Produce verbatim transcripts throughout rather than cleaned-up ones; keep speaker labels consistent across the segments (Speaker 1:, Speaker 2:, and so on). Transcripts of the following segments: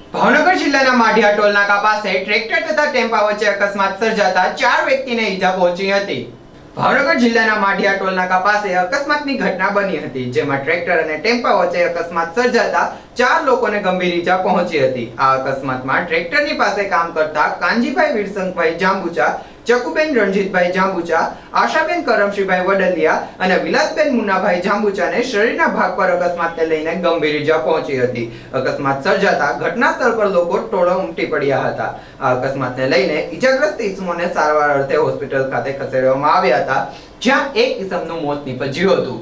Speaker 1: ભાવનગર જિલ્લાના માઢિયા ટોલ નાકા પાસે ટ્રેક્ટર તથા ટેમ્પા વચ્ચે અકસ્માત સર્જાતા ચાર વ્યક્તિને ઈજા પહોંચી હતી। ભાવનગર જિલ્લાના માઢિયા ટોલ નાકા પાસે અકસ્માતની ઘટના બની હતી, જેમાં ટ્રેક્ટર અને ટેમ્પા વચ્ચે અકસ્માત સર્જાતા ચાર લોકોને ગંભીર ઈજા પહોંચી હતી। આ અકસ્માતમાં ટ્રેક્ટરની પાસે કામ કરતા કાનજીભાઈ વીરસંગભાઈ જાંબુચા, ચકુબેન રણજીતભાઈ જાંબુચા, આશાબેન કરમશીભાઈ વડલિયા અને વિલાસબેન મુન્નાભાઈ જાંબુચાને શરીરના ભાગ પર અકસ્માતને લઈને ગંભીર ઈજા પહોંચી હતી। અકસ્માત સર્જાતા ઘટના સ્થળ પર લોકો ટોળો ઉમટી પડ્યા હતા। આ અકસ્માતને લઈને ઈજાગ્રસ્ત ઈસમોને સારવાર અર્થે હોસ્પિટલ ખાતે ખસેડવામાં આવ્યા હતા, જ્યાં એક ઈસમનું મોત નીપજ્યું હતું।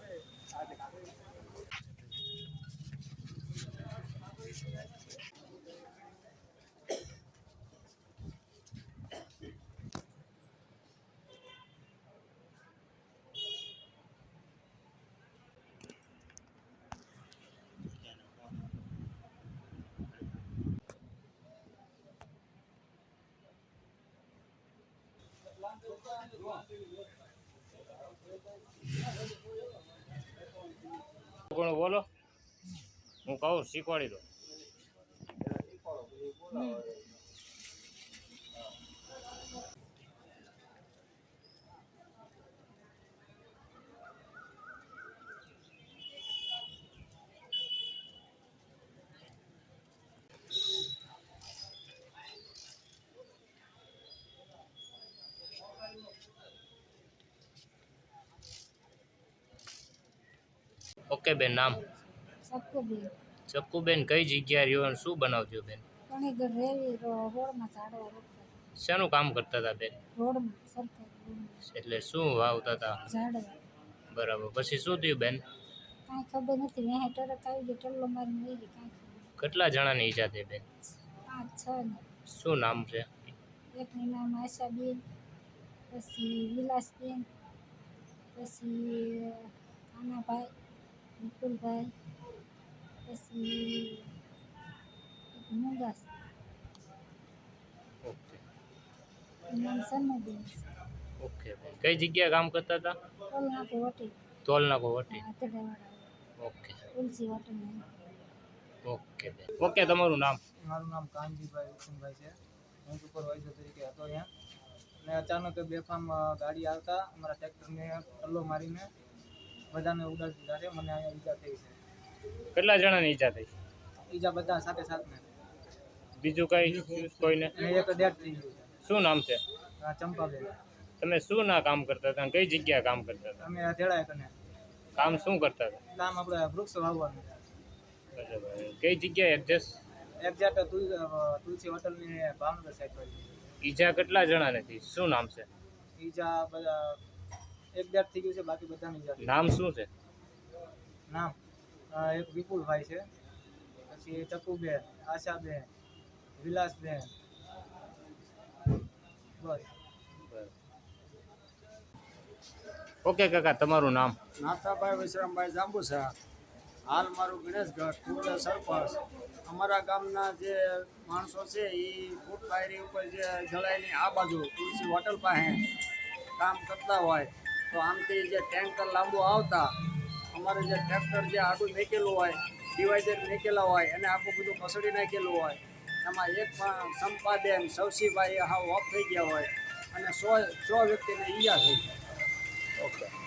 Speaker 2: કોણ બોલો, હું કહું શીખવાડી દો। ઓકે બેન, નામ?
Speaker 3: ચક્કુબેન।
Speaker 2: ચક્કુબેન, કઈ જગ્યાએ રહ્યો અને શું બનાવજો બેન?
Speaker 3: ઘણીઘર રેવી રોડમાં ઝાડવા રોપતા।
Speaker 2: શાનું કામ કરતા હતા બેન?
Speaker 3: રોડમાં સરકારી
Speaker 2: એટલે શું વાવતા હતા?
Speaker 3: ઝાડવા।
Speaker 2: બરાબર, પછી શું થયું બેન?
Speaker 3: કાંઈ ખબર નથી, મેં ટરક આવી ગઈ, ટલ્લો મારીને વહી ગઈ, કાંઈ ખબર।
Speaker 2: કેટલા જણાની ઈજા થઈ બેન?
Speaker 3: પાંચ છ ને।
Speaker 2: શું નામ છે?
Speaker 3: એકનું નામ આશાબેન, પછી વિલાસબેન, પછી કાનાભાઈ, વિપુલભાઈ, પછી મુંગાસ,
Speaker 2: ઓકે
Speaker 3: નામ સન્નુબેન।
Speaker 2: ઓકે બેન, કઈ જગ્યાએ કામ કરતા હતા?
Speaker 3: ટોલ નાખો વટી,
Speaker 2: તોલ નાકો વટી।
Speaker 3: આતરડાવાળા
Speaker 2: ઓકે
Speaker 3: તુલસી વાટણ।
Speaker 2: ઓકે બેન, ઓકે તમારું નામ?
Speaker 4: મારું નામ કાનજીભાઈ વિપુલભાઈ છે। હું સુપરવાઇઝર તરીકે હતો અહીંયા, અને અચાનક બેફામ ગાડી આવતા અમારા ટ્રેક્ટરને ટલ્લો મારીને બધાને ઉડાડી દીધા છે। મને અહીંયા ઈજા થઈ છે।
Speaker 2: કેટલા જણાની ઈજા થઈ?
Speaker 4: ઈજા બધા સાથે સાથને,
Speaker 2: બીજું કઈ કોઈને?
Speaker 4: અને એક ડેથ થઈ ગયું છે।
Speaker 2: શું નામ છે?
Speaker 4: આ ચંપાબેન।
Speaker 2: તમે શું ના કામ કરતા હતા, કઈ જગ્યાએ કામ કરતા હતા?
Speaker 4: અમે તેડાય કને
Speaker 2: કામ શું કરતા હતા?
Speaker 4: એટલે આમ આપણે વૃક્ષ વાવવાનું છે।
Speaker 2: બરાબર, કઈ જગ્યાએ એડજસ્ટ?
Speaker 4: એક્ઝેક્ટ તુલસી હોટલની ભાવનગર સાઈડ પર છે।
Speaker 2: ઈજા કેટલા જણાને થઈ, શું નામ છે?
Speaker 4: ઈજા બધા એક ડેથ થઈ ગયું છે, બાકી બધાની ઈજા થઈ।
Speaker 2: નામ શું છે?
Speaker 4: નામ અ, એક વિપુલભાઈ છે, પછી ચકુબેન, આશાબેન, વિલાસબેન, બસ।
Speaker 2: ઓકે કાકા, તમારું નામ?
Speaker 5: નાથાભાઈ વિશ્રામભાઈ જાંબુસા। હાલ મારું ગણેશગઢ પૂર્વ સરપંચ। અમારા ગામના જે માણસો છે એ ફૂટ પાયરી ઉપર જે જળાઈની આ બાજુ તુલસી હોટલ પાસે કામ કરતા હોય, તો આમથી જે ટેન્કર લાંબુ આવતા અમારે જે ટ્રેક્ટર જે આડું મેકેલું હોય, ડિવાઈડર મેકેલા હોય, એને આખું બધું પસડી નાખેલું હોય, એમાં એક પણ સંપાબેન સવસીભાઈ હાવ ઓફ થઈ ગયા હોય, અને સો સો વ્યક્તિને ઈજા થઈ. ઓકે।